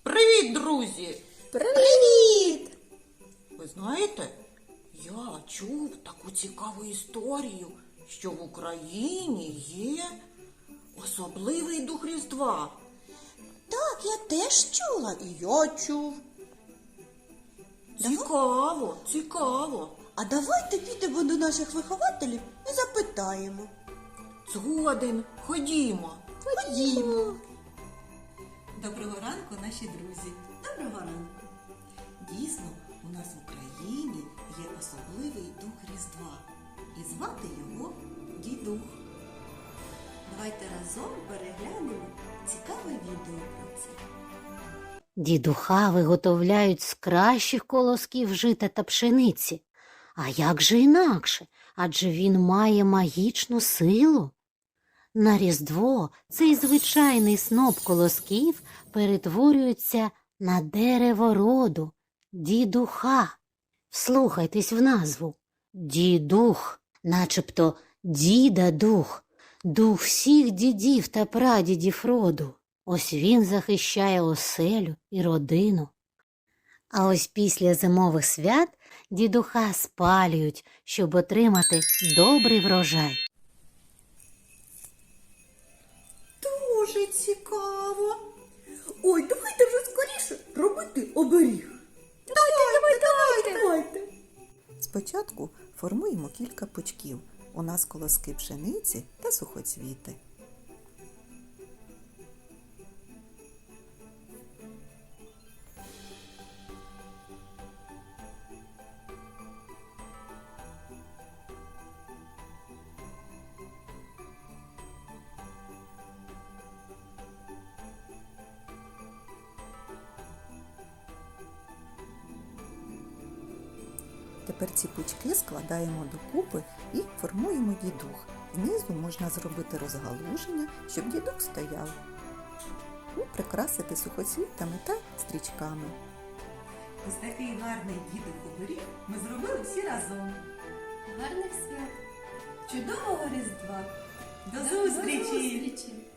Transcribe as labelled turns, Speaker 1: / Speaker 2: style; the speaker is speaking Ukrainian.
Speaker 1: Привіт, друзі!
Speaker 2: Привіт!
Speaker 1: Ви знаєте, я чув таку цікаву історію, що в Україні є особливий дух Різдва.
Speaker 2: Так, я теж чула. І я чув.
Speaker 1: Цікаво, цікаво.
Speaker 2: А давайте підемо до наших вихователів і запитаємо.
Speaker 1: Згоден, ходімо.
Speaker 2: Ходімо.
Speaker 3: Доброго ранку, наші друзі.
Speaker 2: Доброго ранку.
Speaker 3: Дійсно, у нас в Україні є особливий дух Різдва. І звати його Дідух. Давайте разом переглянемо цікаве відео про це.
Speaker 4: Дідуха виготовляють з кращих колосків жита та пшениці. А як же інакше? Адже він має магічну силу. На Різдво цей звичайний сноп колосків перетворюється на дерево роду – дідуха. Вслухайтесь в назву. Дідух, начебто діда-дух, дух всіх дідів та прадідів роду. Ось він захищає оселю і родину. А ось після зимових свят дідуха спалюють, щоб отримати добрий врожай.
Speaker 2: Дуже цікаво. Ой, давайте вже скоріше робити оберіг. Давайте.
Speaker 5: Спочатку формуємо кілька пучків. У нас колоски пшениці та сухоцвіти. Тепер ці пучки складаємо докупи і формуємо дідух. Знизу можна зробити розгалуження, щоб дідух стояв. І прикрасити сухоцвітами та стрічками.
Speaker 3: Ось такий гарний дідух-оберіг ми зробили всі разом.
Speaker 6: Гарних свят!
Speaker 3: Чудового Різдва! До
Speaker 6: До
Speaker 3: зустрічі!
Speaker 6: зустрічі!